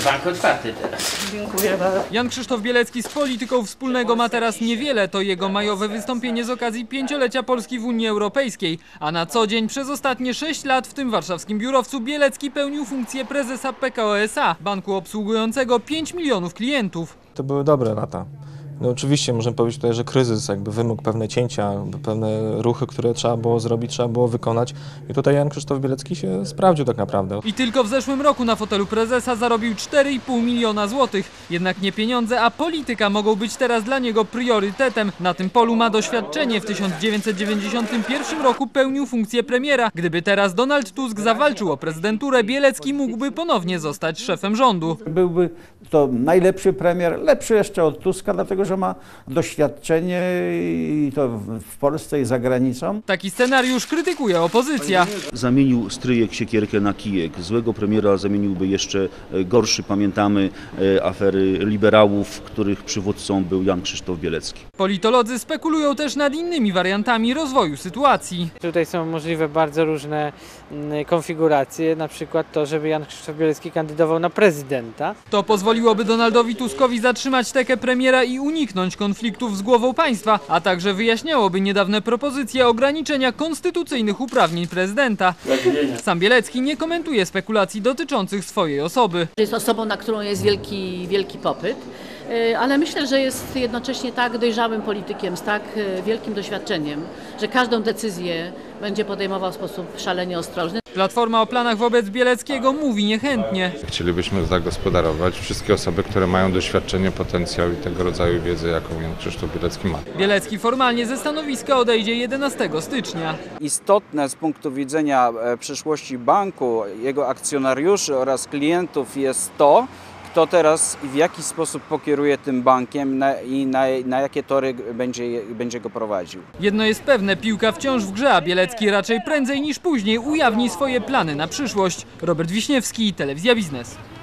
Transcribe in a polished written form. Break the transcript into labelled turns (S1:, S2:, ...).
S1: Bank otwarty teraz.
S2: Dziękuję bardzo.
S3: Jan Krzysztof Bielecki z polityką wspólnego ma teraz niewiele. To jego majowe wystąpienie z okazji 5-lecia Polski w Unii Europejskiej. A na co dzień przez ostatnie 6 lat w tym warszawskim biurowcu Bielecki pełnił funkcję prezesa PKO SA, banku obsługującego 5 milionów klientów.
S4: To były dobre lata. No oczywiście możemy powiedzieć tutaj, że kryzys jakby wymógł pewne cięcia, pewne ruchy, które trzeba było zrobić, trzeba było wykonać. I tutaj Jan Krzysztof Bielecki się sprawdził tak naprawdę.
S3: I tylko w zeszłym roku na fotelu prezesa zarobił 4,5 miliona złotych. Jednak nie pieniądze, a polityka mogą być teraz dla niego priorytetem. Na tym polu ma doświadczenie. W 1991 roku pełnił funkcję premiera. Gdyby teraz Donald Tusk zawalczył o prezydenturę, Bielecki mógłby ponownie zostać szefem rządu.
S5: Byłby to najlepszy premier, lepszy jeszcze od Tuska, dlatego że ma doświadczenie i to w Polsce i za granicą.
S3: Taki scenariusz krytykuje opozycja.
S6: Zamienił stryjek siekierkę na kijek. Złego premiera zamieniłby jeszcze gorszy. Pamiętamy afery liberałów, których przywódcą był Jan Krzysztof Bielecki.
S3: Politolodzy spekulują też nad innymi wariantami rozwoju sytuacji.
S2: Tutaj są możliwe bardzo różne konfiguracje, na przykład to, żeby Jan Krzysztof Bielecki kandydował na prezydenta.
S3: To pozwoliłoby Donaldowi Tuskowi zatrzymać tekę premiera i uniknąć konfliktów z głową państwa, a także wyjaśniałoby niedawne propozycje ograniczenia konstytucyjnych uprawnień prezydenta. Sam Bielecki nie komentuje spekulacji dotyczących swojej osoby.
S7: Jest osobą, na którą jest wielki popyt, ale myślę, że jest jednocześnie tak dojrzałym politykiem, z tak wielkim doświadczeniem, że każdą decyzję będzie podejmował w sposób szalenie ostrożny.
S3: Platforma o planach wobec Bieleckiego mówi niechętnie.
S8: Chcielibyśmy zagospodarować wszystkie osoby, które mają doświadczenie, potencjał i tego rodzaju wiedzę, jaką Jan Krzysztof Bielecki ma.
S3: Bielecki formalnie ze stanowiska odejdzie 11 stycznia.
S9: Istotne z punktu widzenia przyszłości banku, jego akcjonariuszy oraz klientów jest to, kto teraz i w jaki sposób pokieruje tym bankiem i na jakie tory będzie go prowadził.
S3: Jedno jest pewne, piłka wciąż w grze, a Bielecki raczej prędzej niż później ujawni swoje plany na przyszłość. Robert Wiśniewski, Telewizja Biznes.